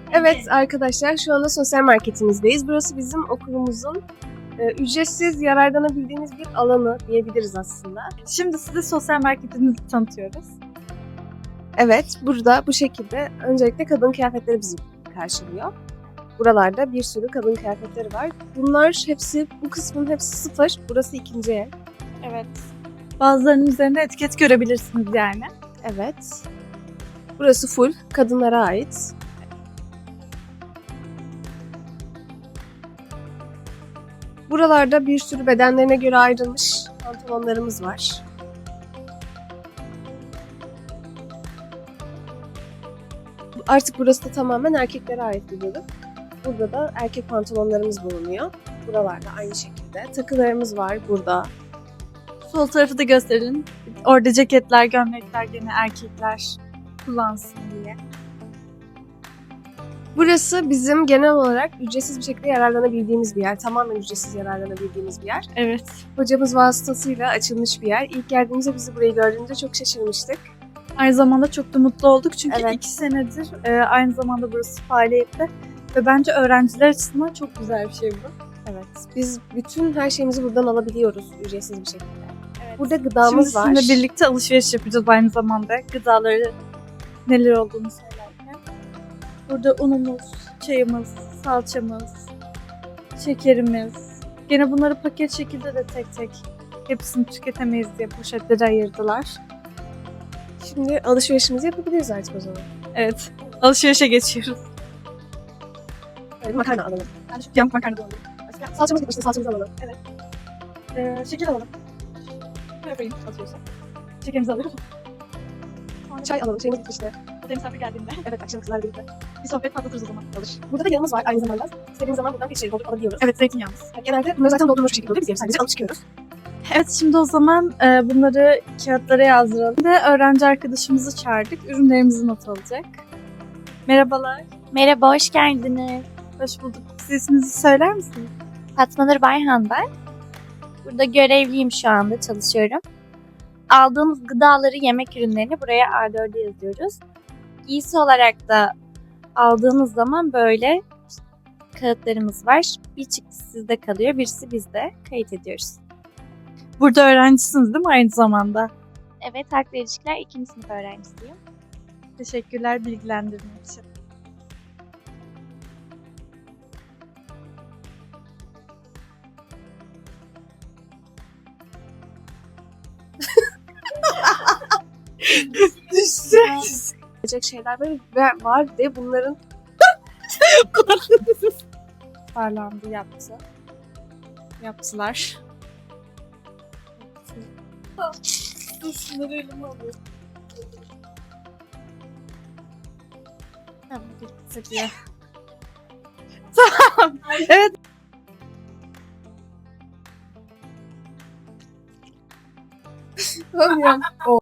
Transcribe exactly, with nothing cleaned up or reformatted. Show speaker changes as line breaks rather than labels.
Evet arkadaşlar, şu anda sosyal marketimizdeyiz. Burası bizim okulumuzun e, ücretsiz yararlanabildiğimiz bir alanı diyebiliriz aslında.
Şimdi size sosyal marketimizi tanıtıyoruz.
Evet, burada bu şekilde öncelikle kadın kıyafetleri bizi karşılıyor. Buralarda bir sürü kadın kıyafetleri var. Bunlar hepsi, bu kısmın hepsi sıfır. Burası ikinci el.
Evet. Bazılarının üzerinde etiket görebilirsiniz yani.
Evet. Burası full kadınlara ait. Buralarda bir sürü bedenlerine göre ayrılmış pantolonlarımız var. Artık burası da tamamen erkeklere ait bir bölüm. Burada da erkek pantolonlarımız bulunuyor. Buralarda aynı şekilde. Takılarımız var burada.
Sol tarafı da gösterin. Orada ceketler, gömlekler gene erkekler kullansın diye.
Burası bizim genel olarak ücretsiz bir şekilde yararlanabildiğimiz bir yer. Tamamen ücretsiz yararlanabildiğimiz bir yer.
Evet.
Hocamız vasıtasıyla açılmış bir yer. İlk geldiğimizde bizi burayı gördüğümüzde çok şaşırmıştık.
Aynı zamanda çok da mutlu olduk çünkü
Evet.
iki senedir e, aynı zamanda burası faaliyette ve bence öğrenciler açısından çok güzel bir şey bu.
Evet. Biz bütün her şeyimizi buradan alabiliyoruz ücretsiz bir şekilde.
Evet.
Burada gıdamız
Şimdi
var.
sizinle birlikte alışveriş yapacağız aynı zamanda. Gıdaları neler olduğunu söylerken. Burada unumuz, çayımız, salçamız, şekerimiz. Gene bunları paket şekilde de tek tek hepsini tüketemeyiz diye poşetlere ayırdılar.
Şimdi alışverişimizi yapabiliriz artık o zaman.
Evet. Alışverişe geçiyoruz.
Yani makarna alalım.
Ben şu yamuk makarna da alayım.
Salçamız gitmişti, salçamızı alalım.
Ee, şeker alalım. Böyle koyayım atıyorsa. Şekerimizi alalım.
Çay alalım, çayımız gitmişti.
O da misafir geldiğinde
Evet, akşam kızlar birlikte.
bir sohbet patlatırız o zaman.
Alır. Burada da yanımız var aynı zamanda. İstediğimiz zaman buradan bir şey doldurup alabiliyoruz.
Evet, zeytinyağımız.
Yani genelde bunları zaten doldurmuş bir şekilde oluyor. Biz yarım sadece alıp çıkıyoruz.
Evet, şimdi o zaman e, bunları kağıtlara yazdıralım. Ve öğrenci arkadaşımızı çağırdık. Ürünlerimizi not alacak. Merhabalar.
Merhaba, hoş geldiniz.
Hoş bulduk. Siz isminizi söyler misiniz?
Fatma Nur Bayhan ben. Burada görevliyim şu anda, çalışıyorum. Aldığımız gıdaları, yemek ürünlerini buraya A dörde yazıyoruz. Giysi olarak da aldığımız zaman böyle kağıtlarımız var. Bir çıktı sizde kalıyor, birisi bizde. Kayıt ediyoruz.
Burada öğrencisiniz değil mi aynı zamanda?
Evet, Halk ve İlişkiler ikinci sınıf öğrencisiyim.
Teşekkürler bilgilendirme için.
Düşeceğiz. Gelecek şeyler böyle ve- var ve bunların
Parlandı, yaptı. Yaptılar. Dur şunları elime alıyorum. Tamam, gitti diye. Tamam. Evet.
Tamam ya. O.